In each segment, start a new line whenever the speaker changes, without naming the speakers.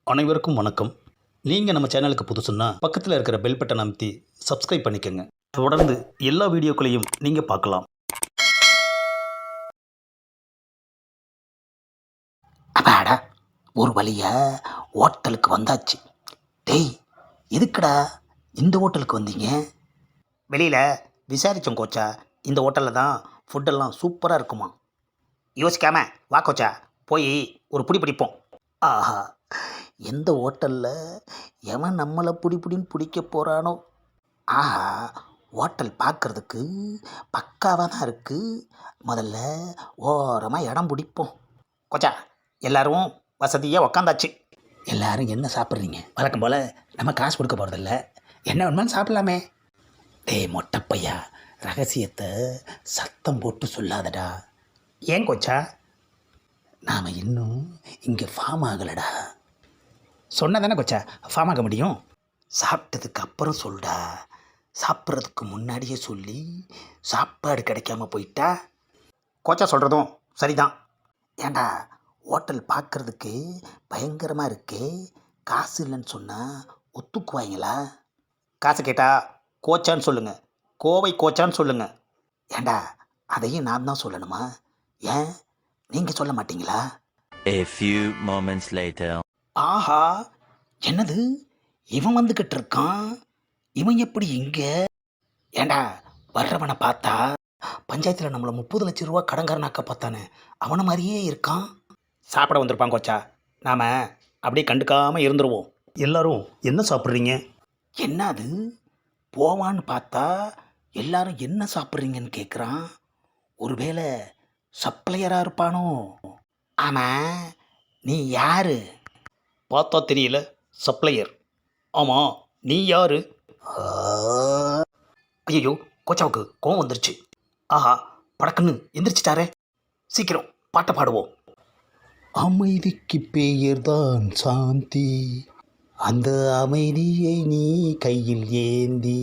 அனைவருக்கும் வணக்கம். நீங்கள் நம்ம சேனலுக்கு புதுசுன்னா பக்கத்தில் இருக்கிற பெல் பட்டன் அமைத்தி சப்ஸ்கிரைப் பண்ணிக்கோங்க. தொடர்ந்து எல்லா வீடியோக்களையும் நீங்கள் பார்க்கலாம்.
அப்பாடா, ஒரு வழியா ஹோட்டலுக்கு வந்தாச்சு. டேய், எதுக்குடா இந்த ஹோட்டலுக்கு வந்தீங்க? வெளியில் விசாரித்தோம் கோச்சா, இந்த ஹோட்டலில் தான் ஃபுட்டெல்லாம் சூப்பராக இருக்குமா. யோசிக்காம வா கோச்சா, போய் ஒரு புடி பிடிப்போம். ஆஹா, எந்த ஹோட்டலில் எவன் நம்மளை பிடின்னு பிடிக்க போகிறானோ. ஆஹா, ஹோட்டல் பார்க்குறதுக்கு பக்காவாக தான் இருக்குது. முதல்ல ஓரமாக இடம் பிடிப்போம். கோச்சா, எல்லாரும் வசதியாக உக்காந்தாச்சு. எல்லாரும் என்ன சாப்பிட்றீங்க? வழக்கம் போல் நம்ம காசு கொடுக்க போகிறதில்ல, என்ன வேணுமாலும் சாப்பிட்லாமே. டேய் மொட்டைப்பையா, ரகசியத்தை சத்தம் போட்டு சொல்லாதடா. ஏன் கோச்சா? நாம் இன்னும் இங்கே ஃபார்ம் ஆகலடா. சொன்னதானே கோச்சா ஃபார்ம் ஆக முடியும். சாப்பிட்டதுக்கு அப்புறம் சொல்டா. சாப்பிட்றதுக்கு முன்னாடியே சொல்லி சாப்பாடு கிடைக்காம போயிட்டா. கோச்சா சொல்கிறதும் சரிதான். ஏண்டா, ஹோட்டல் பார்க்குறதுக்கு பயங்கரமாக இருக்கே, காசு இல்லைன்னு சொன்னால் ஒத்துக்குவாங்களா? காசு கேட்டால் கோச்சான்னு சொல்லுங்கள், கோவை கோச்சான்னு சொல்லுங்கள். ஏண்டா, அதையும் நான் தான் சொல்லணுமா? ஏன் நீங்கள் சொல்ல மாட்டீங்களா?
A few moments later.
ஆஹா, என்னது இவன் வந்துக்கிட்டு இருக்கான்? இவன் எப்படி இங்கே? ஏண்டா, வர்றவனை பார்த்தா பஞ்சாயத்தில் நம்மளை 30 லட்சம் ரூபா கடங்காரனாக்க பார்த்தானே, அவனை மாதிரியே இருக்கான். சாப்பிட வந்திருப்பான் கோச்சா, நாம் அப்படியே கண்டுக்காமல் இருந்துருவோம்.
எல்லாரும் என்ன சாப்பிட்றீங்க?
என்ன அது, போவான்னு பார்த்தா எல்லாரும் என்ன சாப்பிட்றீங்கன்னு கேட்குறான். ஒருவேளை சப்ளையராக இருப்பானோ? ஆமாம், நீ யாரு?
பார்த்தா தெரியல, சப்ளையர். ஆமாம், நீ யாரு?
ஐயோ, கோச்சாவுக்கு கோவம் வந்துருச்சு. ஆஹா, படக்குன்னு எந்திரிச்சிட்டாரே. சீக்கிரம் பாட்டை பாடுவோம்.
அமைதிக்கு பெயர்தான் சாந்தி, அந்த அமைதியை நீ கையில் ஏந்தி,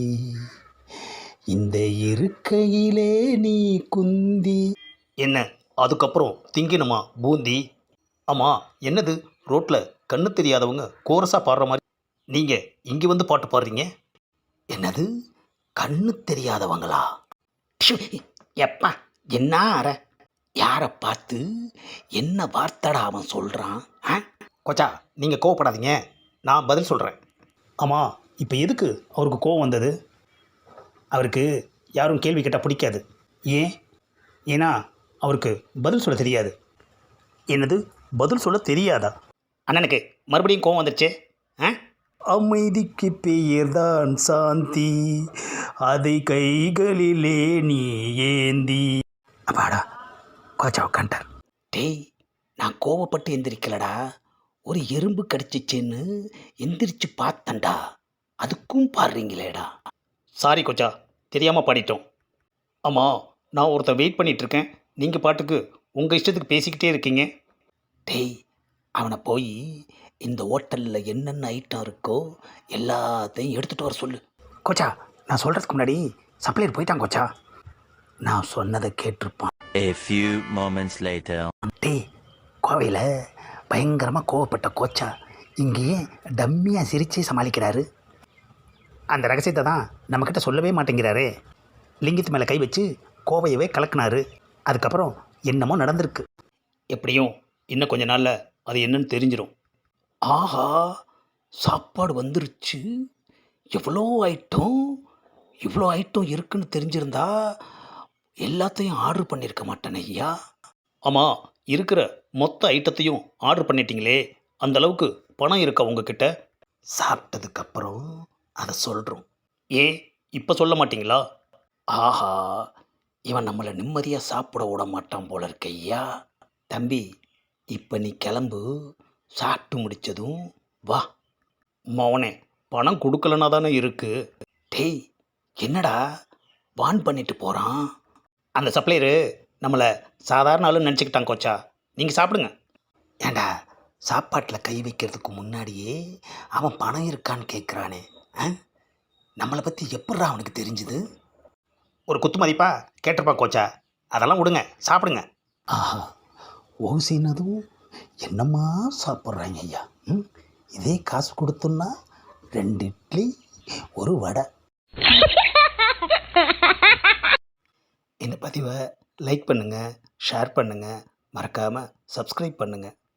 இந்த இருக்கையிலே நீ குந்தி. என்ன அதுக்கப்புறம் திங்கினுமா பூந்தி? ஆமாம், என்னது ரோட்டில் கண்ணு தெரியாதவங்க கோரஸாக பாடுற மாதிரி நீங்கள் இங்கே வந்து பாட்டு பாடுறீங்க?
என்னது, கண்ணு தெரியாதவங்களா? ப்ஷு, எப்பா என்ன அற, யாரை பார்த்து என்ன வார்த்தடா அவன் சொல்கிறான்?
கோச்சா, நீங்கள் கோவப்படாதீங்க, நான் பதில் சொல்கிறேன். ஆமாம், இப்போ எதுக்கு அவருக்கு கோவம் வந்தது? அவருக்கு யாரும் கேள்வி கேட்டால் பிடிக்காது. ஏன்? ஏன்னா அவருக்கு பதில் சொல்ல தெரியாது. என்னது, பதில் சொல்ல தெரியாதா?
அண்ணனுக்கு மறுபடியும் கோவம் வந்துருச்சு.
அமைதிக்கு பெயர்தான் சாந்தி, அதை கைகளிலே நீ ஏந்தி.
அப்பாடா, கோச்சா உட்காண்டார். டேய், நான் கோவப்பட்டு எந்திரிக்கலடா, ஒரு எறும்பு கடிச்சிச்சேன்னு எந்திரிச்சு பார்த்தேன்டா. அதுக்கும் பாடுறீங்களேடா.
சாரி கோச்சா, தெரியாமல் பாடிட்டோம். ஆமாம், நான் ஒருத்தன் வெயிட் பண்ணிகிட்ருக்கேன், நீங்கள் பாட்டுக்கு உங்கள் இஷ்டத்துக்கு பேசிக்கிட்டே இருக்கீங்க.
டேய், அவனை போய் இந்த ஹோட்டலில் என்னென்ன ஐட்டம் இருக்கோ எல்லாத்தையும் எடுத்துகிட்டு வர சொல்லு. கோச்சா, நான் சொல்கிறதுக்கு முன்னாடி சப்ளையர் போயிட்டான் கோச்சா. நான் சொன்னதை கேட்டிருப்பான்.
A few moments later.
டேய், கோவையில் பயங்கரமாக கோவப்பட்ட கோச்சா இங்கேயே டம்மியாக சிரிச்சே சமாளிக்கிறாரு. அந்த ரகசியத்தை தான் நம்மக்கிட்ட சொல்லவே மாட்டேங்கிறாரே. லிங்கத்து மேலே கை வச்சு கோவையவே கலக்குனாரு. அதுக்கப்புறம் என்னமோ நடந்திருக்கு. எப்படியும் இன்னும் கொஞ்ச நாளில் அது என்னன்னு தெரிஞ்சிடும். ஆஹா, சாப்பாடு வந்துருச்சு. எவ்வளோ ஐட்டம், இவ்வளோ ஐட்டம் இருக்குன்னு தெரிஞ்சிருந்தா எல்லாத்தையும் ஆர்டர் பண்ணியிருக்க மாட்டேன் ஐயா.
ஆமாம், இருக்கிற மொத்த ஐட்டத்தையும் ஆர்டர் பண்ணிட்டீங்களே, அந்த அளவுக்கு பணம் இருக்கா உங்ககிட்ட?
சாப்பிட்டதுக்கப்புறம் அதை சொல்கிறோம்.
ஏன் இப்போ சொல்ல மாட்டீங்களா?
ஆஹா, இவன் நம்மளை நிம்மதியாக சாப்பிட விட மாட்டான் போல இருக்க ஐயா. தம்பி, இப்போ நீ கிளம்பு, சாப்பிட்டு முடித்ததும் வா.
மவனே, பணம் கொடுக்கலனா தானே இருக்குது.
டேய், என்னடா வான் பண்ணிட்டு போகிறான்?
அந்த சப்ளையரு நம்மளை சாதாரண ஆளுன்னு நினச்சிக்கிட்டான் கோச்சா, நீங்கள் சாப்பிடுங்க.
ஏண்டா, சாப்பாட்டில் கை வைக்கிறதுக்கு முன்னாடியே அவன் பணம் இருக்கான்னு கேட்குறானே. நம்மளை பற்றி எப்பட்றா அவனுக்கு தெரிஞ்சுது?
ஒரு குத்து மதிப்பா கேட்டிருப்பான் கோச்சா, அதெல்லாம் விடுங்க, சாப்பிடுங்க.
ஆஹா, ஓசினதும் என்னம்மா சாப்பிட்றாங்க ஐயா. இதே காசு கொடுத்தோன்னா 2 இட்லி ஒரு வடை.
இந்த பதிவை லைக் பண்ணுங்கள், ஷேர் பண்ணுங்கள், மறக்காமல் சப்ஸ்கிரைப் பண்ணுங்கள்.